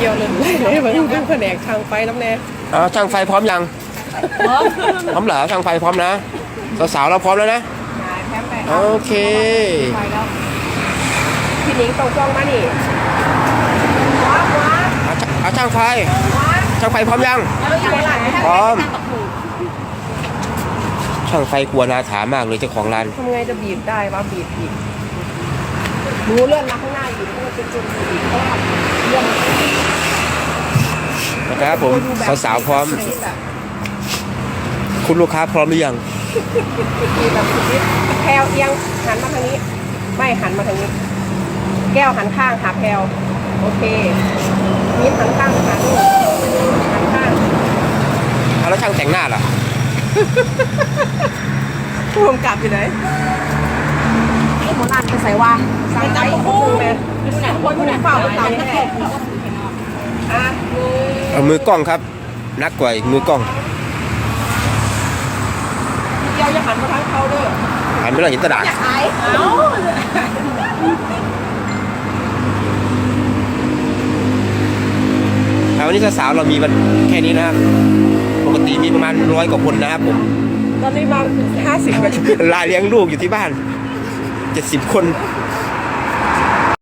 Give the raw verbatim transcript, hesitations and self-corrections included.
ยวเลยเลยมันเป็นแผนกทางไฟน้ำแน่อ๋อช่างไฟพร้อมยังพร้อมพร้อมเหรอช่างไฟพร้อมนะสาวๆเราพร้อมแล้วนะโอเคพี่นิ้งตรงกล้องมานี่ว้าวว้าเอาช่างไฟช่างไฟพร้อมยังพร้อมช่างไฟกลัวนาถามากเลยเจ้าของร้านทำไงจะบีบได้วะบีบบีบรู้เลื่อนมาข้างหน้าอีกมันเป็นจุดบีบเขาทำเรื่องนะครับผมสาวๆพร้อมคุณลูกค้าพร้อมหรือยังมีแบบชีวิตแพลวเอียงหันมาทางนี้ไม่หันมาทางนี้แก้วหันข้างหาแพลวโอเคนิ้วหันข้างหาลูกหันข้างแล้วช่างแต่งหน้าล่ะผู้กำกับอยู่ไหนโมนันไปใส่ว่าสั่งไปคู่แม่คนผู้เฝ้าเต่าแน่อ่ะเอามือกล้องครับนักกว่ามือกล้องเดียวจะหันมาทางเขาด้วยหันไปเราเห็นตะดาษวันนี้สาวๆเรามีมันแค่นี้นะครับปกติมีประมาณร้อยกว่าคนนะครับผมตอนนี้มาห้าสิบกว่าลาเลี้ยงลูกอยู่ที่บ้านเจ็ดสิบคน